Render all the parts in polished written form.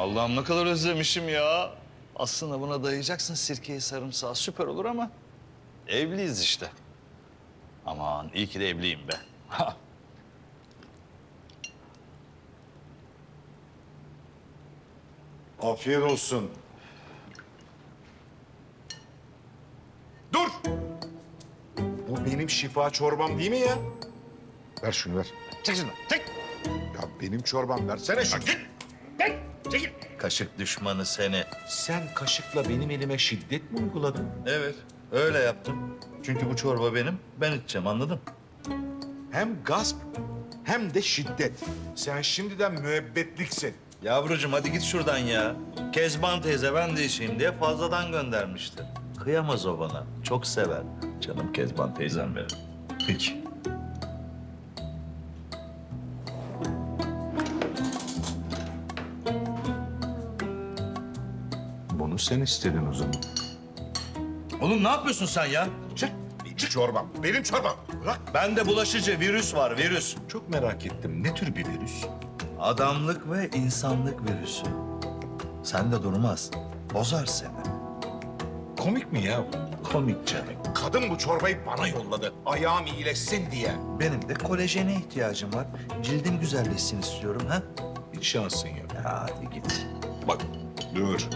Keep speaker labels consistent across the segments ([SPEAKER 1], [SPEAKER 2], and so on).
[SPEAKER 1] Allah'ım ne kadar özlemişim ya. Aslında buna dayayacaksın sirkeyi, sarımsağı, süper olur ama evliyiz işte. Aman iyi ki de evliyim be.
[SPEAKER 2] Afiyet olsun. Dur! Bu benim şifa çorbam değil mi ya? Ver şunu ver.
[SPEAKER 1] Çek şunu, çek.
[SPEAKER 2] Ya benim çorbam versene şunu.
[SPEAKER 1] Çekil. Kaşık düşmanı seni.
[SPEAKER 2] Sen kaşıkla benim elime şiddet mi uyguladın?
[SPEAKER 1] Evet, öyle yaptım. Çünkü bu çorba benim, ben içeceğim, anladın?
[SPEAKER 2] Hem gasp hem de şiddet. Sen şimdiden müebbetliksin.
[SPEAKER 1] Yavrucuğum hadi git şuradan ya. Kezban teyze ben de içeyim diye fazladan göndermişti. Kıyamaz o bana, çok sever. Canım Kezban teyzem benim.
[SPEAKER 2] Peki. Bunu sen istedin o zaman.
[SPEAKER 1] Oğlum ne yapıyorsun sen ya?
[SPEAKER 2] Çık. Çorbam. Benim çorbam. Bırak.
[SPEAKER 1] Bende bulaşıcı virüs var, virüs.
[SPEAKER 2] Çok merak ettim. Ne tür bir virüs?
[SPEAKER 1] Adamlık ve insanlık virüsü. Sen de durmaz. Bozar seni.
[SPEAKER 2] Komik mi ya bu?
[SPEAKER 1] Komik canım.
[SPEAKER 2] Kadın bu çorbayı bana yolladı. Ayağım iyileşsin diye.
[SPEAKER 1] Benim de kolajene ihtiyacım var. Cildim güzelleşsin istiyorum ha.
[SPEAKER 2] Hiç şansın yok.
[SPEAKER 1] Ya hadi git.
[SPEAKER 2] Bak. Dur.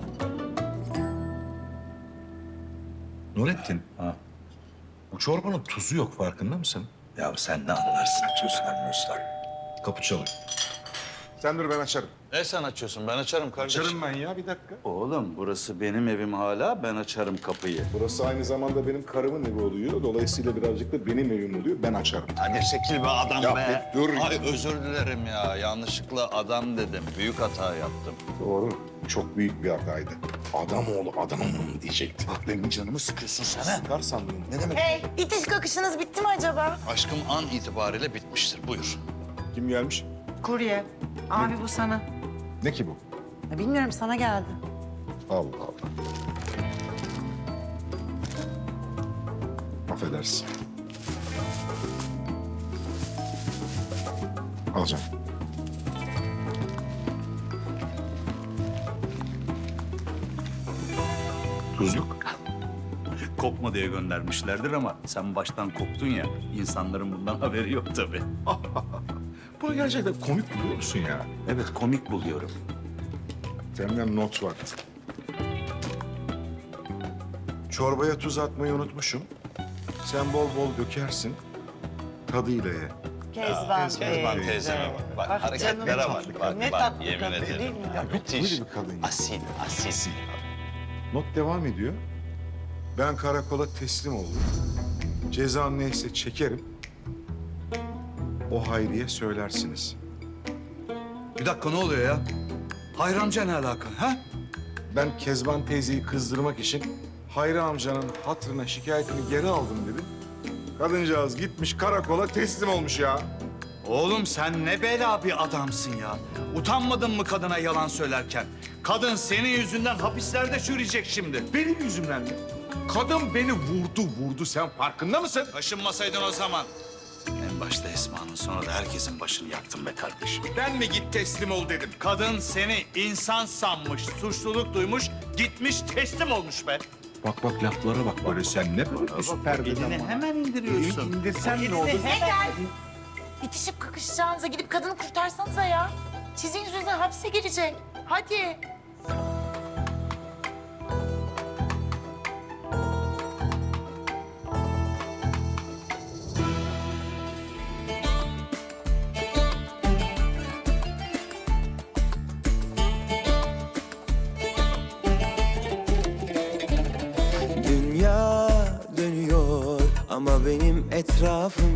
[SPEAKER 2] Nurettin.
[SPEAKER 1] Ha.
[SPEAKER 2] Bu çorbanın tuzu yok farkında mısın?
[SPEAKER 1] Ya sen ne anlarsın tuzdan muzdan?
[SPEAKER 2] Kapı çalıyor. Sen dur ben açarım.
[SPEAKER 1] Ne sen açıyorsun? Ben açarım kardeşim.
[SPEAKER 2] Açarım ben ya bir dakika.
[SPEAKER 1] Oğlum burası benim evim hala. Ben açarım kapıyı.
[SPEAKER 2] Burası aynı zamanda benim karımın evi oluyor. Dolayısıyla birazcık da benim evim oluyor. Ben açarım.
[SPEAKER 1] Hadi çekil be adam
[SPEAKER 2] Ya
[SPEAKER 1] be.
[SPEAKER 2] dur.
[SPEAKER 1] Ay özür dilerim ya. Yanlışlıkla adam dedim. Büyük hata yaptım.
[SPEAKER 2] Doğru. Çok büyük bir hataydı. Adam oğlu adamım diyecektim.
[SPEAKER 1] Bak benim canımı sıkıyorsun sen ha.
[SPEAKER 2] Sıkar sandım.
[SPEAKER 1] Ne demek?
[SPEAKER 3] Hey, itiş kakışınız bitti mi acaba?
[SPEAKER 1] Aşkım an itibariyle bitmiştir. Buyur.
[SPEAKER 2] Kim gelmiş?
[SPEAKER 3] Kurye. Abi bu sana.
[SPEAKER 2] Ne ki bu?
[SPEAKER 3] Ya bilmiyorum sana geldi.
[SPEAKER 2] Allah Allah. Affedersin. Alacağım. Tuzluk.
[SPEAKER 4] Kopma diye göndermişlerdir ama sen baştan koptun ya. İnsanların bundan haberi yok tabii.
[SPEAKER 2] Bunu gerçekten komik buluyor musun ya?
[SPEAKER 4] Evet, komik buluyorum.
[SPEAKER 2] Senden not var. Çorbaya tuz atmayı unutmuşum. Sen bol bol dökersin. Tadıyla ye.
[SPEAKER 3] Kezban
[SPEAKER 1] Kezban teyzeme bak. Bak
[SPEAKER 3] Ah,
[SPEAKER 1] hareketlere
[SPEAKER 3] canım.
[SPEAKER 1] bak. Bak,
[SPEAKER 3] Ne
[SPEAKER 1] bak,
[SPEAKER 3] tatlı
[SPEAKER 1] yemin
[SPEAKER 3] kadın
[SPEAKER 1] ederim.
[SPEAKER 3] değil mi?
[SPEAKER 1] Ya
[SPEAKER 2] Böyle
[SPEAKER 1] müthiş.
[SPEAKER 2] bir kadın ya.
[SPEAKER 1] Asil, asil.
[SPEAKER 2] Not devam ediyor. Ben karakola teslim oldum. Cezam neyse çekerim. O Hayri'ye söylersiniz.
[SPEAKER 4] Bir dakika ne oluyor ya? Hayri amca ne alaka ha?
[SPEAKER 2] Ben Kezban teyzeyi kızdırmak için Hayri amcanın hatırına şikayetini geri aldım dedim. Kadıncağız gitmiş karakola teslim olmuş ya.
[SPEAKER 4] Oğlum sen ne bela bir adamsın ya. Utanmadın mı kadına yalan söylerken? Kadın senin yüzünden hapislerde çürüyecek şimdi.
[SPEAKER 2] Benim yüzümden mi? Kadın beni vurdu sen farkında mısın?
[SPEAKER 4] Taşınmasaydın o zaman. En başta Esma'nın sonra da herkesin başını yaktın be kardeşim.
[SPEAKER 2] Ben mi git teslim ol dedim.
[SPEAKER 4] Kadın seni insan sanmış, suçluluk duymuş, gitmiş teslim olmuş be.
[SPEAKER 2] Bak laflara bak böyle sen ne bakıyorsun perdeden
[SPEAKER 4] Elini
[SPEAKER 2] bana?
[SPEAKER 4] hemen indiriyorsun.
[SPEAKER 2] Elini indirsen ne olur?
[SPEAKER 3] Ne gel? İtişip kakışacağınıza gidip kadını kurtarsanıza ya. Sizin yüzünüzden hapse girecek. Hadi.
[SPEAKER 5] Dünya dönüyor ama benim etrafım